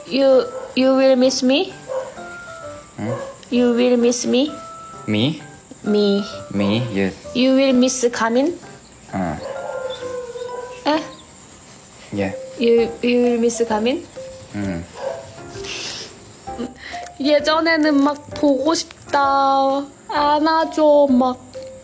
you will miss me you will miss me Me me Me Yes you will miss Kamin eh Yeah you will miss Kamin 예전에는 막 보고 싶다 안아줘 막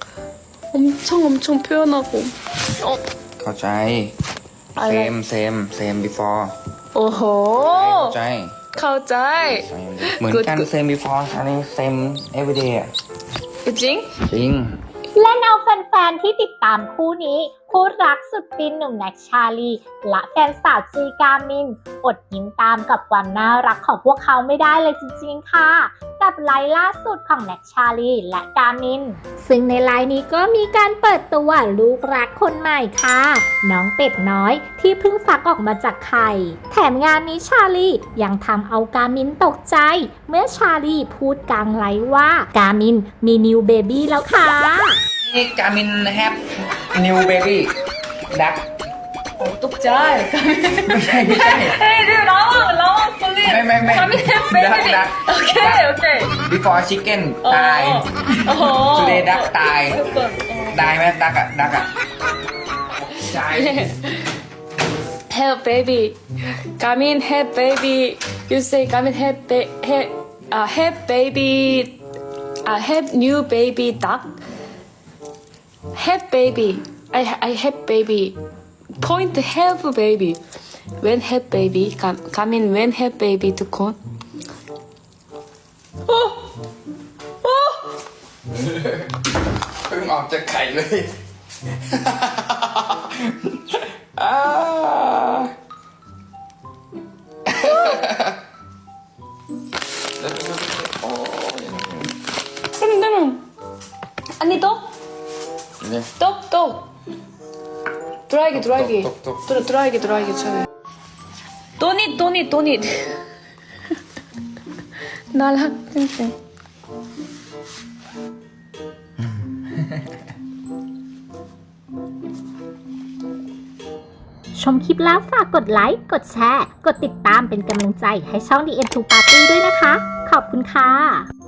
엄청 표현하고 เข้าใจอะไร same before 오호 เข้าใจเข้าใจเหมือนกัน same before อันนี้ same everyday อะจริงจริงเล่นเอาแฟนๆที่ติดตามคู่นี้คู่รักสุดฟินหนุ่มแน็กชาลีและแฟนสาวจีกามินอดยิ้มตามกับความน่ารักของพวกเขาไม่ได้เลยจริงๆค่ะกับไลน์ล่าสุดของแน็กชาลีและกามินซึ่งในไลน์นี้ก็มีการเปิดตัวลูกรักคนใหม่ค่ะน้องเป็ดน้อยที่เพิ่งฟักออกมาจากไข่แถมงานนี้ชาลียังทำเอากามินตกใจเมื่อชาลีพูดกลางไลน์ว่ากามินมีนิวเบบี้แล้วค่ะนี่กามิน have new baby duck 어 똑ใจไม่ใช่ Hey dude 라왕 please ไม่ Kamin have duck baby duck okay before chicken ตาย today duck ตายตายไหม duck อะ duck อะตาย have baby Kamin have baby you say Kamin have have baby have new baby duck have baby I have baby point have baby when have baby Kamin when have baby ทุกคนโอ้เพิ่งออกจากไข่เลยอ่า 아니 또? 네. 또 드라이기 똑. 드라이기 잘 또닛 날학 쌩쌩 ชมคลิปแล้วฝากกดไลค์ กดแชร์ กดติดตามเป็นกำลังใจให้ช่อง The End to Party ด้วยนะคะ ขอบคุณค่ะ